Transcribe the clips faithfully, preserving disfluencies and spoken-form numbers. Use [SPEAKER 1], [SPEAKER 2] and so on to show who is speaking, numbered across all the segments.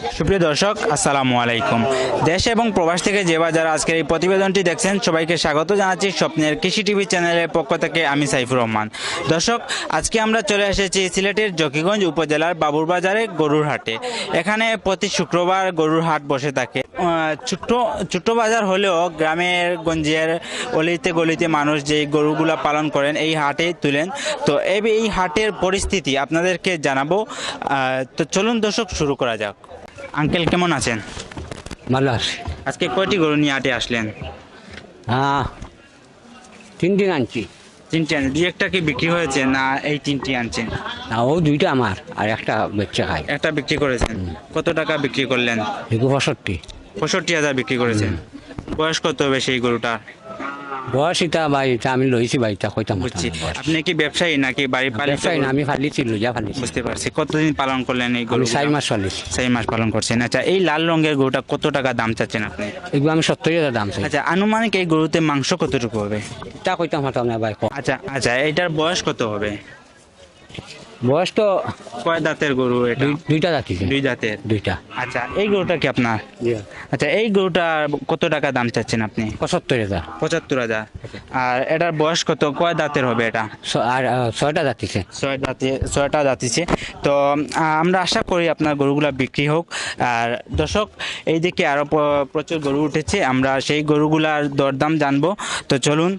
[SPEAKER 1] সুপ্রিয় দর্শক, আসসালামু আলাইকুম। দেশ এবং প্রবাস থেকে যে বা যারা আজকের এই প্রতিবেদনটি দেখছেন, সবাইকে স্বাগত জানাচ্ছি স্বপ্নের কৃষি টিভি চ্যানেলের পক্ষ থেকে। আমি সাইফুর রহমান। দর্শক, আজকে আমরা চলে এসেছি সিলেটের জকিগঞ্জ উপজেলার বাবুরবাজারে গরুর হাটে। এখানে প্রতি শুক্রবার গরুর হাট বসে থাকে। ছোট্ট ছোট্ট বাজার হলেও গ্রামের গঞ্জের অলিতে গলিতে মানুষ যে গরুগুলা পালন করেন এই হাটে তুলেন। তো এই হাটের পরিস্থিতি আপনাদেরকে জানাবো। তো চলুন দর্শক, শুরু করা যাক। আঙ্কেল, কেমন আছেন?
[SPEAKER 2] ভালো আছে।
[SPEAKER 1] আজকে কয়টি গরু নিয়ে হাটে আসলেন?
[SPEAKER 2] হ্যাঁ, তিনটি আনছি।
[SPEAKER 1] তিনটি আনছেন? দুই একটা কি বিক্রি হয়েছে না এই তিনটি আনছেন?
[SPEAKER 2] না, ও দুইটা আমার আর একটা বেচে খাই।
[SPEAKER 1] একটা বিক্রি করেছেন। কত টাকা বিক্রি করলেন?
[SPEAKER 2] এগুলো পঁয়ষট্টি।
[SPEAKER 1] পঁয়ষট্টি হাজার বিক্রি করেছেন। বয়স কত হবে সেই গরুটা?
[SPEAKER 2] বয়স এটা ভাই, এটা আমি লইছি ভাই, এটা কইতাম না।
[SPEAKER 1] বুঝছি। আপনি কি ব্যবসায়ী নাকি বাড়ি পালিত?
[SPEAKER 2] ব্যবসায়ী না, আমি ফালিছি, লইয়া ফালিছি।
[SPEAKER 1] বুঝতে পারছি। কতদিন পালন করলেন এই গরু?
[SPEAKER 2] আমি চার মাস ফালিছি।
[SPEAKER 1] চার মাস পালন করছেন। আচ্ছা, এই লাল রঙের গরুটা কত টাকা দাম চাচ্ছেন আপনি?
[SPEAKER 2] এগুলো আমি সত্তর হাজার দাম চাই।
[SPEAKER 1] আচ্ছা, আনুমানিক এই গরুতে মাংস কতটুকু হবে?
[SPEAKER 2] এটা কইতাম হতাম না ভাই।
[SPEAKER 1] আচ্ছা আচ্ছা, এটার বয়স কত হবে?
[SPEAKER 2] বয়স তো
[SPEAKER 1] কয় দাঁতের গরু এটা?
[SPEAKER 2] দুই- দুইটা যাচ্ছি।
[SPEAKER 1] দুই দাঁতের।
[SPEAKER 2] দুইটা।
[SPEAKER 1] আচ্ছা, এই গরুটা কি আপনার? আচ্ছা, এই গরুটা কত টাকা দাম চাচ্ছেন আপনি?
[SPEAKER 2] পঁচাত্তর হাজার।
[SPEAKER 1] পঁচাত্তর হাজার। আর এটার বয়স কত? কয় দাঁতের হবে এটা?
[SPEAKER 2] ছ- আর আহ, ছয়টা যাচ্ছিছে।
[SPEAKER 1] ছয় দাঁতে ছয়টা দাঁতিছে। তো আহ, আমরা আশা করি আপনার গরুগুলা বিক্রি হোক। আর দর্শক, এই দিকে আরো প- প্রচুর গরু উঠেছে, আমরা সেই গরুগুলার দরদাম জানবো। তো চলুন।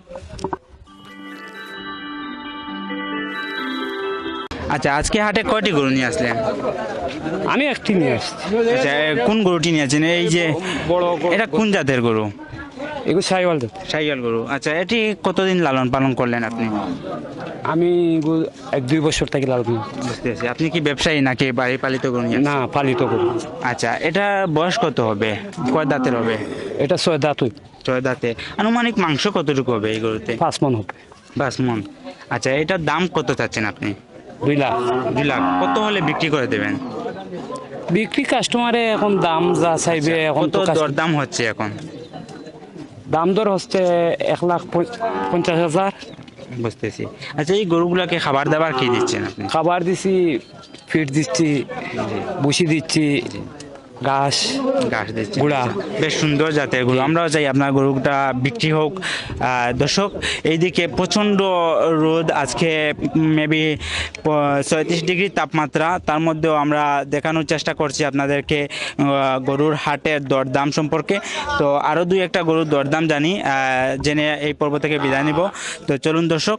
[SPEAKER 1] আচ্ছা, আজকে হাটে কয়টি গরু নিয়ে আসলেন?
[SPEAKER 2] আমি একটি নিয়ে আসছি।
[SPEAKER 1] আচ্ছা, এ, কোন গরুটি নিয়েছেন? এই যে
[SPEAKER 2] বড়
[SPEAKER 1] এটা কোন জাতের গরু?
[SPEAKER 2] এগুলো সাইওয়াল।
[SPEAKER 1] শাহিওয়াল গরু। আচ্ছা, এটি কতদিন লালন পালন করলেন আপনি?
[SPEAKER 2] আমি এক দুই বছর থেকে লাল।
[SPEAKER 1] বুঝতে পারছি। আপনি কি ব্যবসায়ী নাকি বাড়ি পালিত গরু নিয়ে?
[SPEAKER 2] না, পালিত করি।
[SPEAKER 1] আচ্ছা, এটা বয়স কত হবে? কয় দাঁতের হবে?
[SPEAKER 2] এটা ছয় দাঁত।
[SPEAKER 1] ছয় দাঁতে। আনুমানিক মাংস কতটুকু হবে এই গরুতে?
[SPEAKER 2] পাঁচ মন হবে।
[SPEAKER 1] বাস মন। আচ্ছা, এটার দাম কত চাচ্ছেন আপনি?
[SPEAKER 2] দুই লাখ।
[SPEAKER 1] দুই লাখ। কত হলে বিক্রি করে দেবেন?
[SPEAKER 2] বিক্রি কাস্টমারে এখন দাম যা চাইবে, এখন
[SPEAKER 1] কত
[SPEAKER 2] তো কাস্ট-
[SPEAKER 1] দর দাম হচ্ছে এখন?
[SPEAKER 2] দাম দর হচ্ছে এক লাখ পঞ্চ- পঞ্চাশ হাজার।
[SPEAKER 1] বুঝতেছি। আচ্ছা, এই গরুগুলাকে খাবার দাবার কি দিচ্ছেন আপনি?
[SPEAKER 2] খাবার দিছি, ফিট দিচ্ছি, বসি দিচ্ছি, ঘাস
[SPEAKER 1] ঘাস দিচ্ছেন।
[SPEAKER 2] গুঁড়া।
[SPEAKER 1] বেশ সুন্দর জাতের গরু। আমরাও চাই আপনার গরুটা বিক্রি হোক। আহ, দর্শক, এইদিকে প্রচণ্ড রোদ আজকে, মেবি ছয়ত্রিশ ডিগ্রি তাপমাত্রা। তার মধ্যেও আমরা দেখানোর চেষ্টা করছি আপনাদেরকে আহ, গরুর হাটের দরদাম সম্পর্কে। তো আরও দুই একটা গরুর দরদাম জানি, আহ, জেনে এই পর্ব থেকে বিদায় নিব। তো চলুন দর্শক।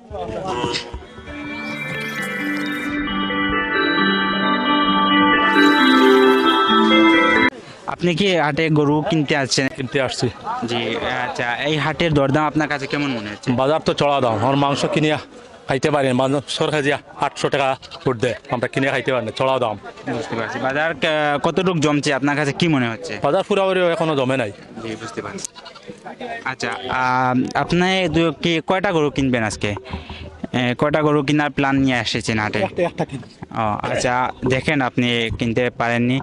[SPEAKER 1] আপনি কি হাটে গরু কিনতে আসছেন?
[SPEAKER 3] কিনতে আসছি।
[SPEAKER 1] জি। আচ্ছা, এই হাটের দরদাম আপনার কাছে কেমন মনে হচ্ছে?
[SPEAKER 3] বাজার তো চড়া দাম, আমার মাংস কিনে খাইতে পারি না। মানুষ সরকার দিয়া আটশো টাকা ফুট দেয়, আমরা কিনে খাইতে পারি না, চড়া দাম।
[SPEAKER 1] বুঝতে পারছি। বাজার ক- কতটুকু জমছে আপনার কাছে কি মনে হচ্ছে?
[SPEAKER 3] বাজার পুরাপুরি এখনো জমে নাই।
[SPEAKER 1] জি, বুঝতে পারছি। আচ্ছা, আহ, আপনি দু- কি কয়টা গরু কিনবেন আজকে? এ, কয়টা গরু কেনার প্ল্যান নিয়ে এসেছেন হাটে? ও আচ্ছা, দেখেন আপনি কিনতে পারেননি।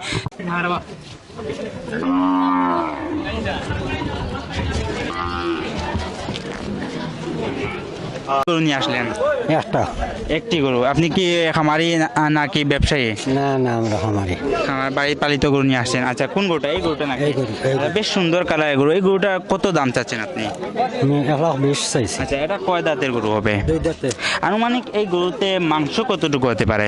[SPEAKER 1] গরু নিয়ে আসলেন?
[SPEAKER 2] একটা।
[SPEAKER 1] একটি গরু। আপনি কি খামারি না- নাকি ব্যবসায়ী?
[SPEAKER 2] না না, আমরা খামারি।
[SPEAKER 1] আমার বাড়ি পালিত গরু নিয়ে আসছেন। আচ্ছা, কোন গরুটা? এই গরুটা নাকি?
[SPEAKER 2] এই গরু, এই গরু।
[SPEAKER 1] বেশ সুন্দর কালারের গরু। এই গরুটা কত দাম চাচ্ছেন আপনি?
[SPEAKER 2] আমি এক লাখ বিশ চাইছি।
[SPEAKER 1] আচ্ছা, এটা কয় দাঁতের গরু হবে?
[SPEAKER 2] দুই দাঁতে।
[SPEAKER 1] আনুমানিক এই গরুতে মাংস কতটুকু হতে পারে?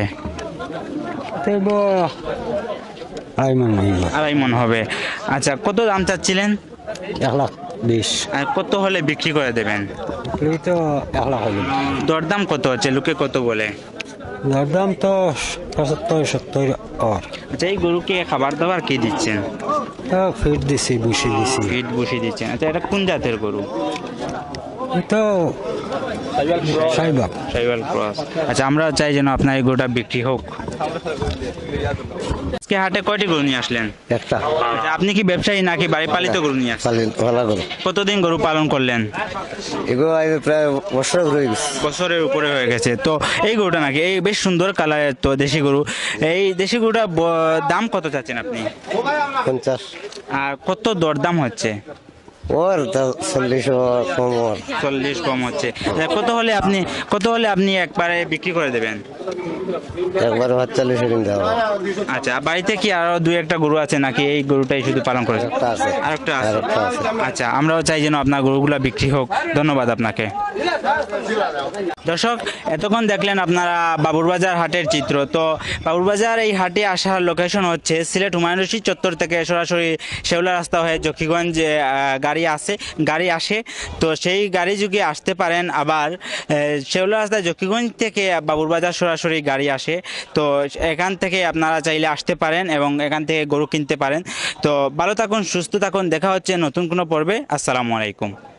[SPEAKER 2] আড়াই মন হইব।
[SPEAKER 1] আড়াই মন হবে। আচ্ছা, কত দাম চাচ্ছিলেন?
[SPEAKER 2] এক লাখ বিশ।
[SPEAKER 1] আর কত হলে বিক্রি করে দেবেন?
[SPEAKER 2] এই তো এক লাখ হইব।
[SPEAKER 1] দরদাম কত হচ্ছে? লোকে কত বলে?
[SPEAKER 2] যার দাম তো পঁচাত্তর সত্তর। আর
[SPEAKER 1] আচ্ছা, এই গরুকে খাবার দাবার কি দিচ্ছেন?
[SPEAKER 2] ফিট দিছি, বসি দিছি।
[SPEAKER 1] ফিট বসিয়ে দিচ্ছেন। আচ্ছা, এটা কোন জাতের গরু?
[SPEAKER 2] তো সাইবাগ।
[SPEAKER 1] শাহিওয়াল ক্রস। আচ্ছা, আমরা চাই যেন আপনার এই গরুটা বিক্রি হোক। আজকে হাটে কয়টি গরু নিয়ে আসলেন?
[SPEAKER 2] একটা।
[SPEAKER 1] আচ্ছা, আপনি কি ব্যবসায়ী নাকি বাড়ি পালিত গরু নিয়ে আসলেন?
[SPEAKER 2] ভালো করো।
[SPEAKER 1] কতদিন গরু পালন করলেন?
[SPEAKER 2] এগুলো আমি প্রায় বছর ঘুরে গেছি।
[SPEAKER 1] বছরের উপরে হয়ে গেছে। তো এই গরুটা নাকি? এই বেশ সুন্দর কালারের তো দেশি গরু। এই দেশি গরুটা ব- দাম কত চাচ্ছেন আপনি?
[SPEAKER 2] পঞ্চাশ।
[SPEAKER 1] আর কত দরদাম হচ্ছে?
[SPEAKER 4] ওর তো চল্লিশ কম ওর
[SPEAKER 1] চল্লিশ কম হচ্ছে। এ, কত হলে আপনি কত হলে আপনি একবারে বিক্রি করে দেবেন?
[SPEAKER 4] একবার সাতচল্লিশে কিনতে হবে।
[SPEAKER 1] আচ্ছা, বাড়িতে কি আরো দুই একটা গরু আছে নাকি এই গরুটাই শুধু পালন করেছেন?
[SPEAKER 4] একটা আছে।
[SPEAKER 1] আরেকটা আছে।
[SPEAKER 4] আরেকটা আছে।
[SPEAKER 1] আচ্ছা, আমরাও চাই যেন আপনার গরুগুলা বিক্রি হোক। ধন্যবাদ আপনাকে। দর্শক, এতক্ষণ দেখলেন আপনারা বাবুরবাজার হাটের চিত্র। তো বাবুরবাজার এই হাটে আসার লোকেশন হচ্ছে সিলেট হুমায়ুন রশিদ চত্বর থেকে সরাসরি শেওলা রাস্তা হয়ে জকিগঞ্জ আহ, গাড়ি আসে গাড়ি আসে তো সেই গাড়ি যুগে আসতে পারেন। আবার আহ, শেওলা রাস্তা জকিগঞ্জ থেকে বাবুরবাজার সরাসরি গাড়ি আসে। তো এখান থেকে আপনারা চাইলে আসতে পারেন এবং এখান থেকে গরু কিনতে পারেন। তো ভালো থাকুন, সুস্থ থাকুন, দেখা হচ্ছে নতুন কোনো পর্বে। আসসালামু আলাইকুম।